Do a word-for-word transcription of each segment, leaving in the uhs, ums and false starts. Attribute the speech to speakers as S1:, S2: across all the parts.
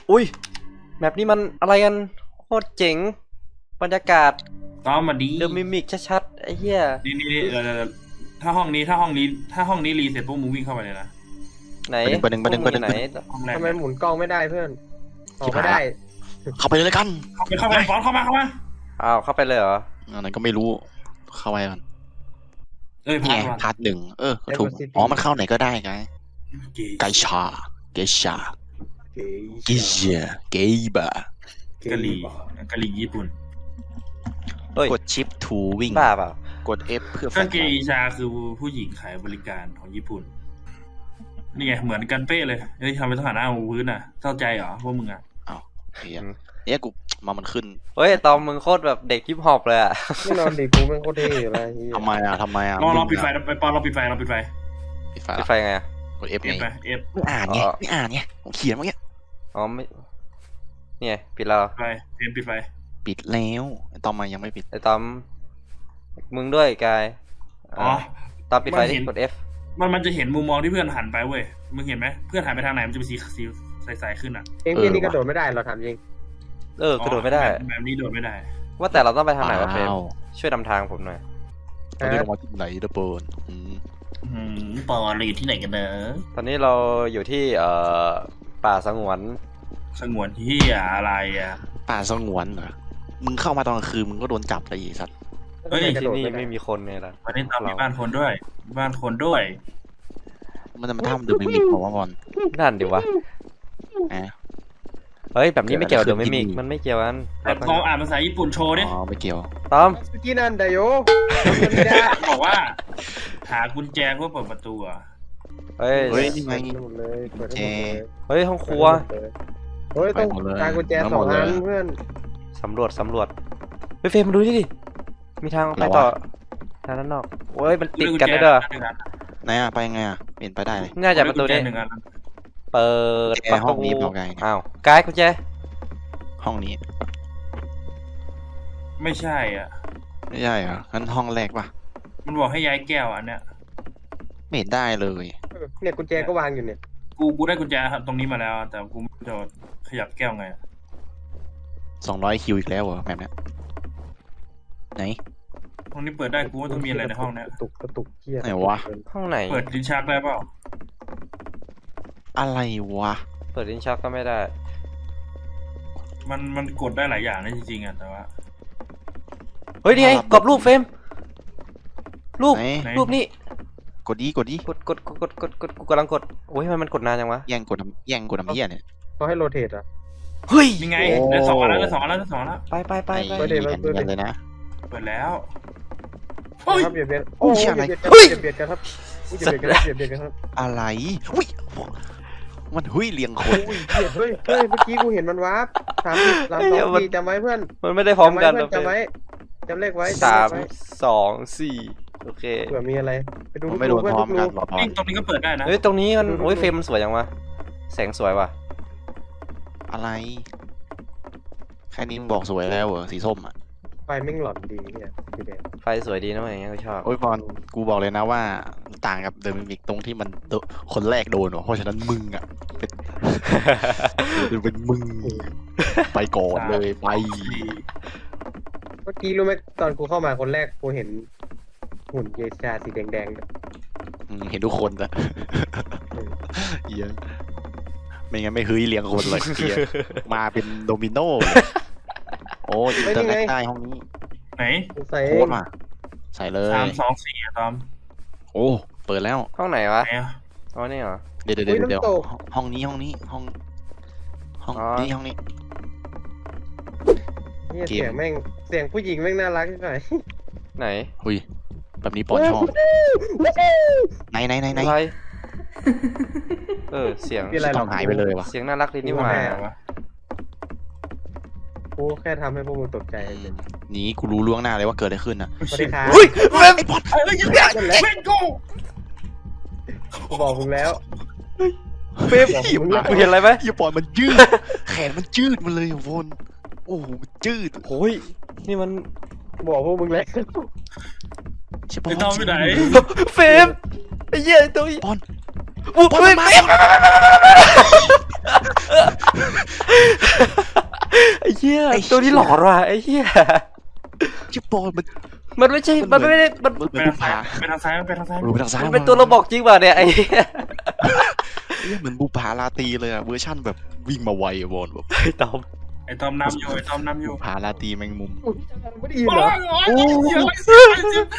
S1: อุ้ยแมปนี้มันอะไรกันโคตรเจ๋งบรรยากาศ
S2: ต้อมมาดี
S1: เดอะมิมิกชัดๆไอ้เหี้ย
S2: นี่นี่เออถ้าห้องนี้ถ้าห้องนี้ถ้าห้องนี้รีเสร็จปุ๊บมึงวิ่งเข้าไปเลยนะ
S1: ไหน
S3: ประเด็นประเด็นประเด็น
S1: ไหน
S2: ห้องแรก
S4: ทำไมหมุนกล้องไม่ได้เพื่อนออกไม่ได้
S3: เข้าไปเลยกัน
S2: เข้าไปเข้าไปฟอนเข้ามาเข้ามา
S1: อ้าวเข้าไปเลยเหรอ
S3: อันนั้นก็ไม่รู้เข้าไปกัน
S2: เอ้ย
S3: นี่
S2: พา
S3: ไง
S2: ร์ท
S3: พาร์ทหนึ่งเออก็ถูกอ๋อมันเข้าไหนก็ได้ไงไกชาเกชาเกเชียเกบะ
S2: กะหรี่กะหรี่ญี่ปุ่น
S1: เฮ้ย
S3: กดชิปทูวิ่ง
S1: บ้าเปล่าก
S3: ด F เพื่อ
S2: ก็เกอิชาคือผู้หญิงขายบริการของญี่ปุ่นนี่ไงเหมือนกันเป๊ะเลยเฮ้ยทำไมต้องหันหน้ามาพื้นอ่ะเข้าใจเหรอพวกมึงอ่ะ
S3: อ้าวเฮียเนี่ยกูมามันขึ้น
S1: เฮ้ยตอมมึงโคตรแบบเด็กฮิปฮอปเลยอะ
S4: ไม่นอนดิกูแม่งโคตรเท่อยู่เลยเฮีย
S3: ทำไมอ่ะทำไมอ่ะ
S2: ลองลองปิดไฟไปปอนลองปิดไฟลองปิดไฟ
S3: ปิดไฟ
S1: ปิดไฟไงอะ
S3: กด F
S2: เอฟ
S3: ไง
S2: ไปเอฟ
S3: ไม่อ่านไงไม่อ่านไงผมเขียนเมื่อกี้
S1: อ๋อไม่เนี่ยปิดแล้ว
S2: ไฟเอ็มปิดไฟ
S3: ปิดแล้วตอนมายังไม่ปิด
S1: ไอ้ตอมมึงด้วยกาย
S2: อ๋อ
S1: ตอมปิดไฟดิกด F
S2: มันมันจะเห็นมุมมองที่เพื่อนหันไปเว้ยมึงเห็นไหมเพื่อนหันไปทางไหนมันจะเป็นสีสีใสๆขึ้นอ่ะ
S4: เอ็มพีนี่กระโดดไม่ได้เราถามจริง
S1: เออกระโดดไม่ได้
S2: แบบนี้โดดไม่ได้
S1: ว่าแต่เราต้องไปทางไหนวะเฟรม
S3: อ้าว
S1: ช่วยนำทางผมหน่อย
S3: ตอนนี้เรามาที่ไหนเดอะเบิร์นอืม
S2: อืมปอเราอยู่ที่ไหนกันเนอะ
S1: ตอนนี้เราอยู่ที่เอ่อป่าสงวน
S2: สงวนที่อะไรอ่ะ
S3: ป่าสงวนเหรอมึงเข้ามาตอนกลางคืนมึงก็โดนจับเลยไอ้สัตว์
S2: เฮ้ย
S4: กระ
S1: ที่
S4: โดด
S1: นี่
S4: ไม่ได้
S1: ไม่มีคนไงล่ะ
S2: วันนี้เรามีบ้านคนด้วย บ้านคนด้วย
S3: มันจะมาทำเดอะมิมิกของว่าบอล
S1: นั่นดิวะ
S3: อ่ะ
S1: เฮ้ยแบบนี้ไม่เกี่ยวกับ
S3: เกิ
S1: เด
S3: ด
S1: อะ
S3: อะไร
S1: มิมิก
S3: ขึ้น
S1: มันไม่เกี่ยวกัน
S2: แต่พออ่านภาษาญี่ปุ่นโชว์ดิ
S3: อ๋อไม่เกี่ยว
S1: ตอม
S4: สกินันไดโยไม่ได้
S2: บอกว่า หากุญแจเพื่อเปิดประตูอ่ะ
S1: เฮ้ย
S3: เฮ้ยนี่ไง
S4: เปิดหมดเลยเปิดให้หมดเลย
S1: เฮ้ยห้องครัว
S4: เฮ้ยต้อง
S3: ไปหมดเลย
S4: การกุญแจ
S3: ทั้ง
S4: ส
S3: ห
S4: อ
S3: ม
S4: ง
S3: ดเลย
S4: อันเพื่อน
S1: สำรวจสำรวจเฮ้ยเฟรมมาดูนี่ดิมีทางไปต่อทางด้านนอกเฮ้ยมันติดกันได้ด้วย
S3: ไหนอ่ะไปยังไงอ่ะเปลี่ยนไปได้เลย
S1: น่าจะประตูนี้
S2: หนึ่งอัน
S1: เปิด
S3: แก
S1: ประ
S3: ห้อง
S1: ตู
S3: นี้เปล่าไง
S1: อ้าวกายกุญแจ
S3: ห้องนี้
S2: ไม่ใช่อ่ะ
S3: ไม่ใช่เหรองั้นห้องแรกป่ะ
S2: มันบอกให้ย้ายแก้วอันเนี้ย
S3: ไม่เห็นได้เลย
S4: เออเนี่ยกุญแจก็วางอยู่เนี่ย
S2: กูกูได้กุญแจตรงนี้มาแล้ว แต่กูไม่รู้จะขยับแก้วไง
S3: สองร้อยคิวอีกแล้วเหรอแบบเนี้ยไหน
S2: ห้องนี้เปิดได้กูว่าต้องมีอะไรในห้องเนี้ย
S4: กระตุกกระตุกเฮีย
S3: ไหนวะ
S1: ห้องไหน
S2: เปิดลิ้นชักได้เปล่า
S3: อะไรวะ
S1: เปิดลิ้นชักก็ไม่ได้
S2: มันมันกดได้หลายอย่างนะจริงๆอ่ะแต่ว่า
S1: เฮ้ยนี่ไงกรอบรูปเฟรมรูป
S3: ไหน
S2: ไหน
S1: รูปนี่
S3: กดดีกดดี
S1: กดกดกดกดกดกดกูกำลังกดโอ้ยทำไมมันกดนานจังวะ
S3: แย่งกดน้ำแย่งกดน้ำเหี้ยเนี่ย
S4: เขาให้โรเทตอ่ะ
S1: เฮ้ย
S2: ยังไง
S3: โอ้
S2: ได้สองอันแล้วได้สองอันแล้วได้สองอันแล้ว
S1: ไปไปไป
S3: ไอ้
S1: ไป
S4: เดี๋ยว
S3: แผ่นเนียนเลยนะ
S2: เปิดแล้วเฮ้ย
S4: ครับเบียดเบียน
S3: อุ้
S4: โอ้
S3: ย
S4: ย
S3: อะไร
S4: เบียดเบียดกันครับเบียดเบียดกันครับเบียดเบียดกันครับ
S3: อะไรอุ้ยมันหุ้ยเลียงคน
S4: อุ้ยเบียดเฮ้ยเฮ้ยเมื่อกี้กูเห็นมันวาร์ปสามสามสองสี่จำไว้เพื่อน
S1: มันไม่ได้พร้อมกัน
S4: จำไว้จำเลขไว้
S1: สาม
S4: จำเลขไว้
S1: สองสี่โอเค
S4: เผื่อมีอะไรไปดู
S3: มันไม่โดนพร้อมกันหรอก
S2: นี่ตรงนี้ก็เปิดได้นะ
S1: เฮ้ยตรงนี้มันโอ้ยเฟรมมันสวยจังวะแสงสวยว่ะ
S3: อะไรแค่นี้มึงบอกสวยแล้วเหรอสีส้มอ่ะ
S4: ไฟแม่งหลอนดีเนี่ยสีแดง
S1: ไฟสวยดีนะเว้ยอย่างเงี้ยกูชอบ
S3: โอ้ยบอลกูบอกเลยนะว่าต่างกับเดอะมิมิกตรงที่มันโดคนแรกโดนว่ะเพราะฉะนั้นมึงอ่ะเป็น เป็นมึงไปก่อนเลยไป
S4: เมื่อกี้รู้ไหมตอนกูเข้ามาคนแรกกูเห็นหุ่นเยชาสีแดงๆเนี่ย
S3: อืมเห็นทุกคนนะเหี้ยไม่งั้นไม่เฮ้ยเลี้ยงคนเลยเหี้ยมาเป็นโดมิโนเลยโอ้ยอินเตอร์เน็ตได้ห้องนี้
S2: ไหน
S4: กูใส่
S3: โคตรมาใส่เลย
S2: สามสองสี่อะตอม
S3: โอ้เปิดแล้ว
S1: ห้องไหนวะ
S2: ไหนอะ
S1: อ๋อนี่เหรอ
S3: เดี๋ยวเดี๋ยวเดี๋ยวห้องนี้ห้องนี้ห้องห้อง
S1: อ๋อ
S3: นี้ห้องนี้
S4: เนี่ย
S3: เกม
S4: เสียงแม่งเสียงผู้หญิงแม่งน่ารักที่ไหน
S1: ไหน
S3: หุยแบบนี้ปอนชอบไหนไหนไหนไหน
S1: อะไรเออเสียง
S4: มีอะไรหร
S3: ต้
S4: อ
S3: อก งหายไปเลยวะ
S1: เสียงน่ารักดีนี่หว่า
S2: ไหนวะ
S4: กูแค่ทำให้พวกมึงตกใจเฉย
S3: หนีกูรู้ล่วงหน้าเลยว่าเกิดอะไรขึ้นนะ
S4: สวัสดีครับ
S1: เฮ้ยเฟรม
S3: ไอ้บอล
S2: เฮ้ยยังไงเว้นกู
S4: กูบอกมึงแล้ว
S1: เฟรมกูเห็นอะไรไหม
S3: อย่าปล่อยมันยืดแขนมันยืดมาเลยอ่ะวนโอ้โหมันยืด
S1: โอ้ยนี่มัน
S4: กูบอกพวกมึงแล้ว
S3: ใช่ปะ
S2: ไอ้ตอมไปไหน
S1: เฟรมไอ้เหี้ยตัว
S3: บอล
S1: อุ้ย
S3: บอล
S1: เฟร
S3: มัน
S1: ม
S3: มา
S1: ไอ้เหี้ยตัวนี้หลอนว่ะไอ้เหี้ย
S3: ชิปบอลมัน
S1: มันไม่ใช่มันไม่ได้มัน
S3: มัน
S2: ไป
S3: เป็น
S2: ทาง
S3: บุ
S2: ซ้าย
S3: ปผา
S2: ไปทางซ้ายไปทางซ้าย
S3: รู้ไปทางซ้าย
S1: มันเป็นตัวเราบอกจริงป่ะเนี่ยไอ้เหี้ย
S3: เหมือนบุปผาลาตรีเลยอะเวอร์ชั่นแบบวิ่งมาไวอะบอลแบบ
S1: ไอ้ตอม
S2: ไอ้ตอมนำอยู่ไอ้ตอมนำอยู่
S3: บุปผาลาตรีแมงมุม
S4: ไม่ได้ยิน
S2: โอ้
S4: เหรอย
S2: โอ้ยเสียงเสียง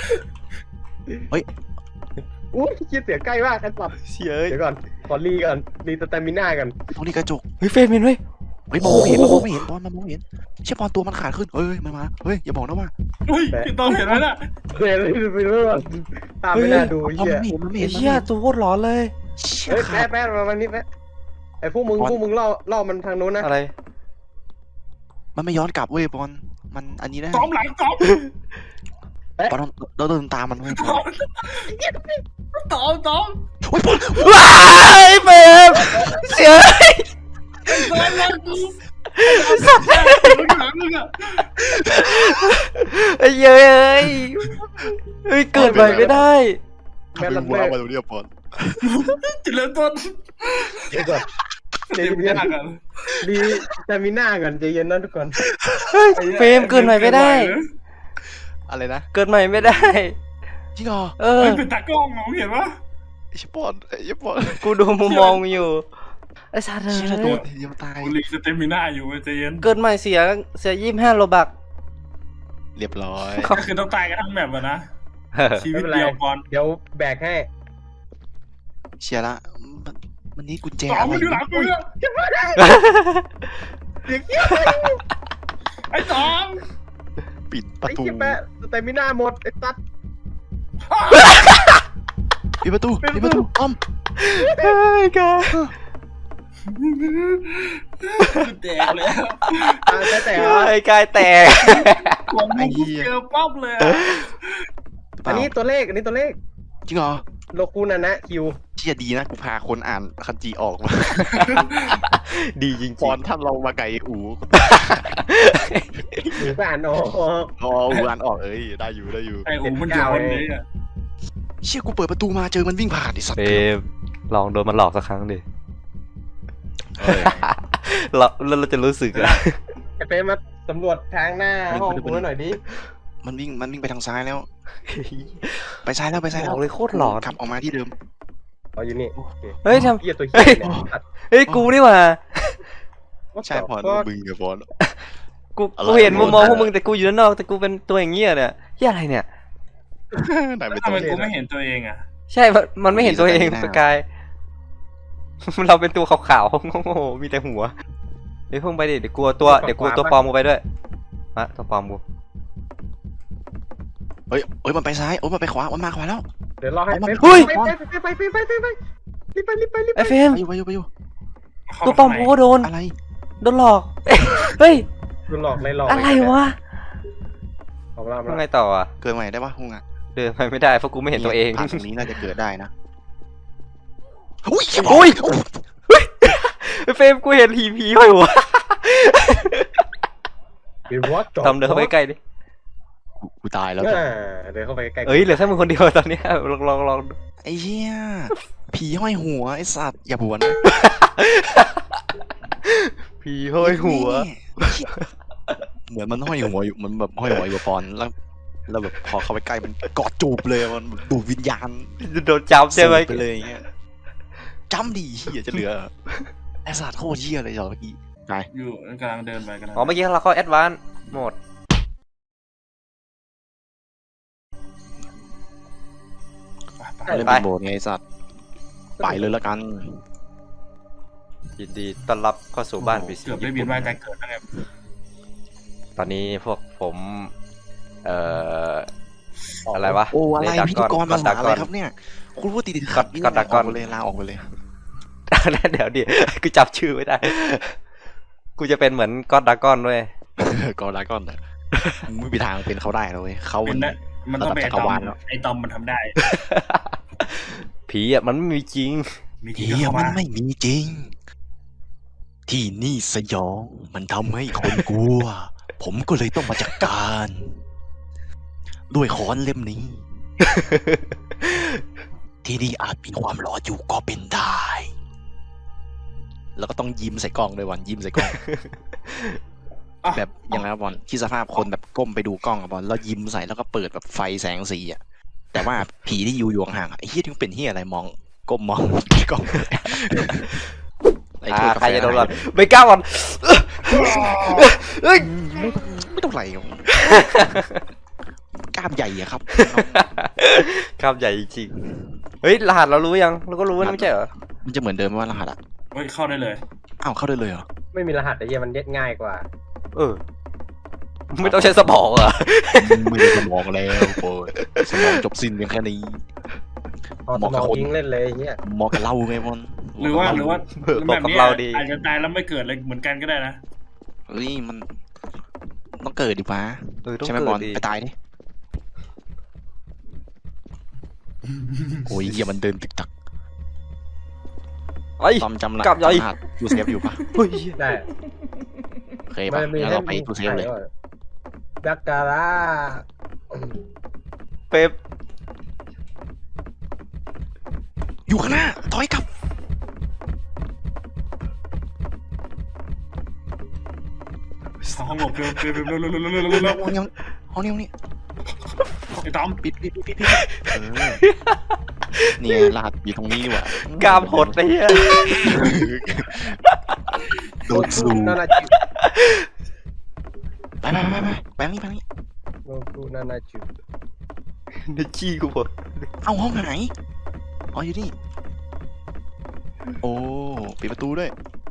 S4: อุ้ยคิดเสียงใกล้มากกันสับ
S1: เสีย
S4: เดี๋ยวก่อนขอรีก่อนรีสแตมิน่ากัน
S3: ตรงนี้กระจก
S1: เฮ้ยเฟรมเห็นไหม
S3: เฮ้ยมองไม่เห็นมันมองไม่เห็นบอลมันมองไม่เห็นเชี่ยบอลตัวมันขาดขึ้นเฮ้ยมันมาเฮ้ยอย่าบอกนะว่า
S2: อุ้ยพี่ตอมเห็นไหมน่ะ
S4: เฮ้ยไปเรื่อยตามไม่น่าดู
S3: บอล
S4: เหี้ย
S3: มันไม่เห็นมันไม่
S1: ไอ้
S3: เห็นมันไม่
S1: เหี้ย
S3: เห็น
S1: ตัวโคตรหลอนเลย
S3: เชี่ย
S4: เฮ้ย
S3: ขา
S4: แป๊ะ
S3: ด
S4: แป๊ะมาวันนี้แป๊ะไอ้พวกมึงพวกมึงล่อล่อมันทางโน้นนะ
S1: อะไร
S3: มันไม่ย้อนกลับเว้ยบอลมันอันนี้ได้
S2: ตอมหลังตอม
S3: บอลเราเดินตามมันเว้ย
S2: ตอมตอมตอม
S3: โอ้ยบอล
S1: ว้ายเฟรมเสีย
S2: ตอมหลังกูหลังมึงอะ
S1: ไอ้เย้ยเฮ้ยเกิดใหม่ไม่ได้
S3: ทำไมว้าวมาตรงนี้บอล
S2: จิเริ่มต้น
S4: เดี๋ยวก่อน
S2: เดี๋ยวไม่ได้กัน
S4: รีสแตมิน่ากันใจเย็นนะทุกคน
S1: เฮ้ยเฟรมเกิดใหม่ไม่ได้
S3: อะไรนะ
S1: เกิดใหม่ไม่ได้
S3: จริงเหรอ
S1: เออ
S2: เฮ้ยเป็นตากล้องมองเห็นปะ
S3: ไอ้ชิบอลไอ้ชิบอล
S1: กูดูมุมมองอยู่ไอ้สัตว์
S3: เชี่ยโด
S1: เอ้
S3: น
S1: ย
S3: ทีเดียวตาย
S2: กูรีสเตมิน่าอยู่ใจเย็น
S1: เกิดใหม่เสียเสียยี่สิบห้าโลบัก
S3: เรียบร้อย
S2: ก็คือต้องตายกันทั้งแบบอะนะชีวิตเดียวก่อน
S4: เดี๋ยวแบกให้
S3: เชียร์ละมันมันนี่กุญแจ
S2: ตอม
S3: อะไร
S2: มันอยู่หลังกูเนี่ย
S4: เสียงเหี้ย
S2: ไอ้ตอม
S3: ปิดประ
S4: ไอ้
S3: ตู
S4: เหี้ยแปะสแตมิน่าหมดไอ้ตัด
S3: ปิดประตูปิดประตูอ้อม
S1: เฮ้ยกา
S2: แตกแล้ว
S4: ตาแต่แต่
S1: ไอ้กายแตก
S2: ผมกูเจอป๊อบเลยอะ
S4: อันนี้ตัวเลขอันนี้ตัวเลข
S3: จริงเหรอ
S4: โลคูนานะคิว
S3: เชียดีนะกูพาคนอ่านคันจีออกมา
S1: ดีจริง
S3: ตอนท่านเรามาไก่อู
S4: หรือก็อ่านออก
S3: อ๋ออูอ่านออกเอ้ยได้อยู่ได้อยู่
S2: ไอ้อูมันอยู่คนนี้อะ
S3: เชี่ยกูเปิดประตูมาเจอมันวิ่งผ่านไอ้สัต
S1: เฟ
S3: ว์
S1: รมลองโดนมันหลอกสักครั้งดิ
S3: เออ
S1: เราแล้วเราจะรู้สึกอะ
S4: ไอ้เป๊มาสำรวจทางหน้าห้องกูหน่อยดิ
S3: มันวิ่งมันวิ่งไปทางซ้ายแล้ว ไปซ้ายแล้วไปซ้าย
S1: บ
S3: แล้
S1: อ
S3: ว
S1: กเลยโคตรหลอน
S3: กลับออกมาที่เดิม
S4: อ๋ออยู่นี่
S1: เฮ้ยทำ
S4: เหี้ยตัวเหี้ยเนี่ยตัด
S1: เฮ้ยกูนี่หว่า
S3: ใช่พอ
S4: ก็
S3: มึงกับบอล
S1: กู
S3: อะไร
S1: กูเห็นมุมมอง
S3: อะไร
S1: พวกมึงแต่กูอยู่ด้านนอกแต่กูเป็นตัวอย่างเงี้ยเนี่ยเหี้ยอะไรเนี่ย
S3: ไหนไป
S2: ทำ
S3: ตัว
S2: ไม
S3: เอ
S2: กู
S3: ง
S2: ไม่เห็นตัวเองอะ
S1: ใช่มันมันไม่เห็นตัวเอง
S3: มีแต่หน้า
S1: สกาย เราเป็นตัวขาวๆโง่ๆมีแต่หัวเดี๋ยวเพิ่งไปดิเดี๋ยวกลัวตัวเดี๋ยวกลัวตัวปลอมกูไปด้วยอะตัวปลอมกู
S3: เฮ้ยเฮ้ยมันไปซ้ายโอ้ยมันไปขวามันมาขวาแล้ว
S4: เดี๋ยวรอให้
S3: เอามา
S4: ไป
S3: เฮ้ย
S4: ไปไปไปไปไปไปรีบไปรีบไปรีบไป
S1: ไอ้เฟรม
S3: ไปอยู่ไปอยู่ไปอยู่
S1: ตัวปลอมกูก็โดน
S3: อะไร
S1: โดนหลอกเฮ้ย
S4: คุณหลอกเลยหลอก
S1: อะไรวะ
S4: เอาละ
S1: ยังไงต่ออ่ะ
S3: เกิดใหม่ได้ปะฮุงอ่ะ
S1: เดินไปไม่ได้เพราะกูไม่เห็นตัวเอง
S3: ผ่านตรงนี้น่าจะเกิดได้นะอุ้ย
S1: อุ้ยไอ้เฟรมกูเห็นผีผีห้อยหัว
S4: เป็นวอต
S1: ทำเดินเข้าไปใกล้ดิ
S3: กูตายแล้ว
S4: เดินเข้าไปใกล้
S1: เอ้ยเหลือแค่มึงคนเดียวตอนเนี้ยลองลองลอง
S3: ไอ้เหี้ยผีห้อยหัวไอ้สัตว์อย่าบวน
S1: ผีห้อยหัว
S3: เหมือนมันห้อยหัวอยู่มันแบบห้อยหัวอยู่กับปอนแล้วแล้วแบบพอเข้าไปใกล้มันกอดจูบเลยมันแบบดูดวิญญาณ
S1: โดนจับใช่ไหม
S3: สูดไปเลยอย่างเงี้ยจำดีเหี้ยจะเหลือไอ้สัตว์โคตรเหี้ยเลยเหรอเมื่อกี้ไป
S2: อยู่กำลังเดินไปกำลัง
S1: อ๋อเมื่อกี้เราเข้าแอดวานซ์โหมด
S2: ไป
S3: เล่น
S1: ไป
S3: เป็นโบสถ์ไงไอ้สัตว์ไปเลยละกัน
S1: ยินดีต้อนรับเข้าสู่บ้านพีซี
S2: เกือบได้เวียนว่ายตายเกิดแล้วไง
S1: ตอนนี้พวกผมเอ่ออะไรวะ
S3: โอ้อะไร
S1: เด
S3: พิธีกร
S1: ด
S3: ภาษา
S1: ด
S3: อะไรครับเนี่ยคุณพูดติดติดขัด
S1: กอดดากอน
S3: ลาออกไปเลยลาออกไปเลย
S1: เดี๋ยวดิกูจับชื่อไม่ได้ กูจะเป็นเหมือนก็อดดากอนด้วย
S3: กอดดากอนเถอะมึงไม่มีทางเป็นเขาได้นะเลยเขา
S2: เป็
S3: มัน น
S2: ได้มันต้องเป็นไอ้
S3: ระดับจัก
S2: ต
S3: ร
S2: อ
S3: วาล
S2: ม
S3: แล้ว
S2: ไอ้ตอมมันทำได้
S1: ผีอ่ะมันไม่มีจริง
S2: มีที
S3: เฮี
S2: ก็
S3: ย
S2: เข้า
S3: มัน
S2: มา
S3: ไม่มีจริง ที่นี่สยองมันทำให้คนกลัว ผมก็เลยต้องมาจัดการ ด้วยค้อนเล่มนี้ ที่นี่อาจมีความหลอนอยู่ก็เป็นได้แล้วก็ต้องยิ้มใส่กล้องด้วยวันยิ้มใส่กล้อง
S2: อ่ะ
S3: แบบยังไงวะบอลคิดสภาพคนแบบก้มไปดูกล้องอะบอลแล้วยิ้มใส่แล้วก็เปิดแบบไฟแสงสีอะแต่ว่าผีที่อยู่อยู่ห่างๆอะไอ้เฮียที่มันเป็นเฮียอะไรมองก้มมอง กล้องไอ้
S1: อ่า
S3: ถ้วยกา
S1: ใคร
S3: แฟ
S1: จะโดนก่อนไม่กล้าก่อนเฮ้ย
S3: ไม่ไม่ต้องไหลหรอกกล้ามใหญ่อะครับ
S1: ครับใหญ่จริงๆเฮ้ยรหัสเรารู้ยังเราก็รู้นะไม่ใช่เหรอ
S3: มันจะเหมือนเดิมไหมว่ารหัสอะ
S2: เฮ้ยเข้าได้เลย
S3: อ้าวเข้าได้เลยเหรอ
S4: ไม่มีรหัสไอ้เหี้ยมันเย็ดง่ายกว่า
S1: เออไม่ต้องใช้สมองเหรอ
S3: ไม่ได้สมองแล้วโอ้ยสมองจบสิ้นเพียงแค่นี้
S4: พอ
S3: เห
S4: ส
S3: มาะ
S4: ม
S3: กับ
S4: อง
S3: คน
S4: ยิงเล่นเลยไอ้เหี้ย
S3: เหมาะกับเราไงบอล
S2: หรือว่าหรือว่า
S1: เออ
S2: แบบ
S1: บอกกับ
S2: นี้
S1: เราดี
S2: อาจจะตายแล้วไม่เกิดอะไรเหมือนกันก็ได้นะ
S3: เฮ้ยมันต้องเกิดดิวะ
S1: เออต้อง
S3: ใช่ไหม
S1: เกิ
S3: บอ
S1: ด
S3: ล
S1: ดี
S3: ไปตายดิโอ้ยเหี้ยมันเดินตึกตัก
S1: ไอ้ย
S3: ตอมจำละ
S1: กลับใหญ่
S3: จำรหัสทูเซฟอยู่ปะ
S1: เฮ้ย
S4: ได้
S3: โอเคปะงั้นเราไปทูเซฟเลย
S4: ดักการา
S1: เป๊ป
S3: อยู่ข้างหน้าถอยกลับ
S2: เข้าห้องหลบเร็วเร็วเร็วเร็วเร็วเร็วเร็วเร็วเร็ว
S3: ห้องนี้ห้องนี้ห้องนี้
S2: ไอ้ตอม
S3: ปิดปิดปิดปิดปิดเออเนี่ยรหัสอยู่ตรงนี้ดีกว่าก
S1: ล้ามหดไอ้เหี้ย
S3: โดนซู
S4: นานาจิ
S3: ไปไปไปไปไปทางนี้ไปทางนี้
S4: โนกูนานาจิ
S1: ในจี้กูหมด
S3: เอ้าห้องไหนอ๋ออยู่นี่โอ้ปิดประตูด้วย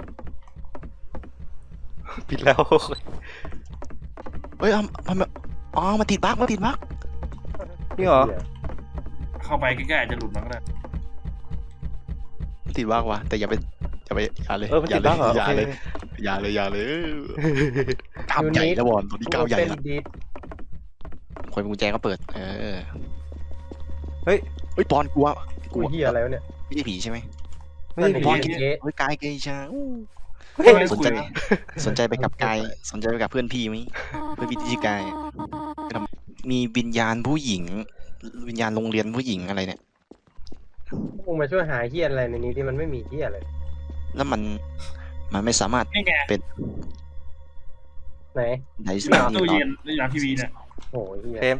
S1: ปิดแล้ว
S3: เฮ้ยเอามันแบบอ๋อมาติดบั๊กมาติดบั๊ก
S1: นี่เหรอ
S2: เข้าไปใกล้ๆอาจจะหลุดมาก็ได้
S3: มาติดบั๊กวะแต่อย่าไปอย่าไปอย่าเลย
S1: เออมัน
S3: อย่า
S1: ติด
S3: เล
S1: บ้าย งเหรอ
S3: อย่า
S1: โอ
S3: เลย
S1: เค
S3: อย่าเลยอย่าเลยกล้ามใหญ่แล้วบอลตัวนี้กล้ามใหญ่ละ
S4: ดีด
S3: คนกุญแจก็เปิดเออ
S1: เฮ้ย
S3: เฮ้ยปอนกลัวก
S4: กู
S3: ลัว
S4: เหี้ยอะไรวะเนี่ย
S3: ไม่ใช่ผีใช่ไหม
S1: ไม่ใช่
S4: นั่น
S1: ผี
S3: ปอน
S4: ผี
S3: กินเฮ้ยกายเกยชาอู้
S1: เฮ้ย
S3: สนใจสนใจไปกับกายสนใจไปกับเพื่อนพี่ไหมเพื่อนพี่ที่ชื่อกายอะไปทำมีวิญญาณผู้หญิง วิญญาณโรงเรียนผู้หญิงอะไรเนี่ย
S4: พวกมาช่วยหาเหี้ยอะไรในนี้ที่มันไม่มีเหี้ยอะไร
S3: แล้วมันมันไม่สามารถ
S2: นี่ไง
S4: ไหน
S3: ได
S2: ห
S3: ส์
S2: ลัง
S3: นี่
S2: ตู้
S3: ตอ
S2: เย็
S3: น
S2: นหลังทีวีเนี่ย
S4: โอ้ยเหี้ย
S1: เฟรม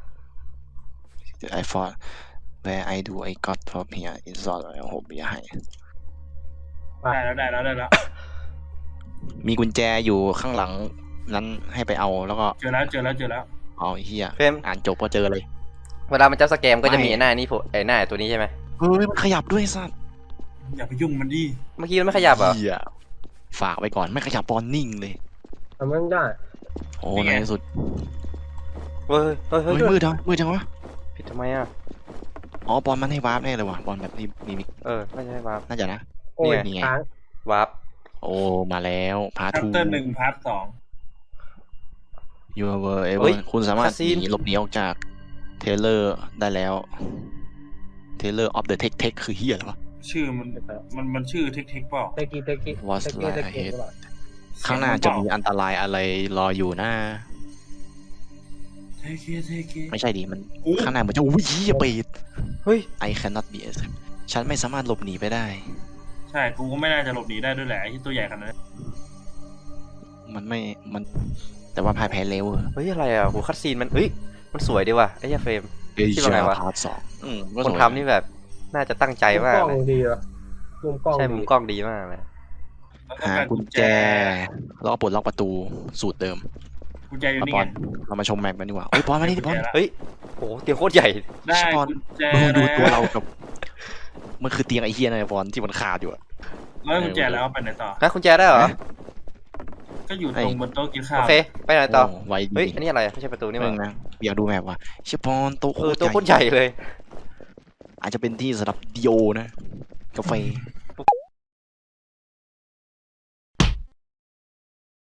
S3: I thought where I do I got from here is all I hope อย่าให้
S2: ได้แล้วได้แล้วได้แล้ว
S3: มีกุญแจอยู่ข้างหลังนั้นให้ไปเอาแล้วก็
S2: เจอแล้วเจอแล้วเจอแล้ว
S3: เอาไอ้เฮีย
S1: เฟรม
S3: อ่านจบก็เจอเลย
S1: เวลามันจะสแกมก็จะมี
S3: ไม่
S1: ไอ้หน้านี่โผล่ไอ้หน้าตัวนี้ใช่ไหม
S3: เฮ้ยมันขยับด้วยสัตว์
S2: อย่าไปยุ่งมันดิ
S1: เมื่อกี้มันไม่ขยับเหรอ
S3: เหี้ยฝากไว้ก่อนไม่ขยับปอนนิ่งเลย
S4: ทำมันได้
S3: โอ้ในที่สุด
S1: เฮ้ยเฮ้ยเฮ้
S3: เฮ้
S1: ย
S3: ยมืดจังมืดจังวะ
S1: ผิดทำไมอ่ะ
S3: อ๋อปอนมันให้วาร์ปแน่เลยว่ะปอนแบบนี้มีมี
S1: เออไม่ใช่วาร์ป
S3: น่าจะนะ
S4: โอ้ย
S3: นี่ไง
S4: ค้าง
S1: วาร์ป
S3: โอ้มาแล้วพา
S2: ชัป
S3: ทู
S2: เตอร์หนึ่งพาร์ทสอง
S3: ยูเวอร์เอเวอร์คุณสามารถหนีหลบหนีออกจากเทเลอร์ได้แล้วเทเลอร์ออฟเดอะเทคเทคคือเฮียเหรอวะ
S2: ชื่อมันมันมันชื่อเทคเทคเปล่า
S4: เตกี้เตกี้
S3: What's
S4: เตกี้เต
S3: like
S4: กี้
S3: ahead
S4: หรือเปล่า
S3: ข้างหน้าจะมีอันตรายอะไรรออยู่นะ
S2: เทคเคเทคเค
S3: ไม่ใช่ดิมัน
S2: อู้
S3: ข้างหน้าเหมือนจะอุ้ยเฮียเปิด
S1: เฮ้ย
S3: I cannot be escaped ฉันไม่สามารถหลบหนีไปได้
S2: ใช่กูก็ไม่น่าจะหลบหนีได้ด้วยแหละไอ้ที่ตัวใหญ่ขนาดนั้น
S3: มันไม่มันแต่ว่าพายแพ้เร็ว
S1: เฮ้ยอะไรอ่ะโหคัดซีนมันเฮ้ยมันสวยดีว่ะไอ้เหี้ยเฟรม
S3: เอ้ย
S1: คิดว่าไงวะ
S3: พาร์ทสองอืมก็
S1: ค
S3: ส
S1: น
S3: วย
S1: ทำนี่แบบน่าจะตั้งใจ
S4: มุม
S1: มาก
S4: กล้อง
S1: เลย
S4: ดีเหรอมุมกล้อง
S1: ใช่มุ
S4: ดี
S1: มกล้องดีมากเลย
S2: แล้วต้อง
S3: หา
S2: การ
S3: กุญแจแล้วก็ปลดล็อกประตูสูตรเดิม
S2: กุญแจอยู่
S3: มา
S2: นี่
S3: ปอ
S2: ไง
S3: นเรามาชมแมปกันดีกว่าเฮ้ยปอนมานี่ดิปอน
S1: เฮ้ยโหเตียงโคตรใหญ่
S2: ได้
S3: ปอน
S2: กุญแจ
S3: ดูดูตัว
S2: แล้ว
S3: เรากับมันคือเตียงไอเฮียนะปอนที่มันขาดอยู่อะ
S2: แล้วกุญแจแล้วเอาไปไหนต่อ
S1: ฮะคุณแจได้เหรอ
S2: ก็อยู่ตรงบนโต๊ะกินข้า
S1: โอ
S2: ว
S1: เคไปไหนต่อ
S3: โไวดี
S1: เฮ้ยอันนี้อะไรไม่ใช่ประตูนี่
S3: นี่
S1: มั้
S3: มึ
S1: ง
S3: งนะอยากดูแมปว่ะเชฟปอนโต๊ะโค
S1: เออ
S3: ตร
S1: ตัวโคตร
S3: ใหญ่
S1: ใหญ่เลย
S3: อาจจะเป็นที่สำหรับดีโอนะกาแฟ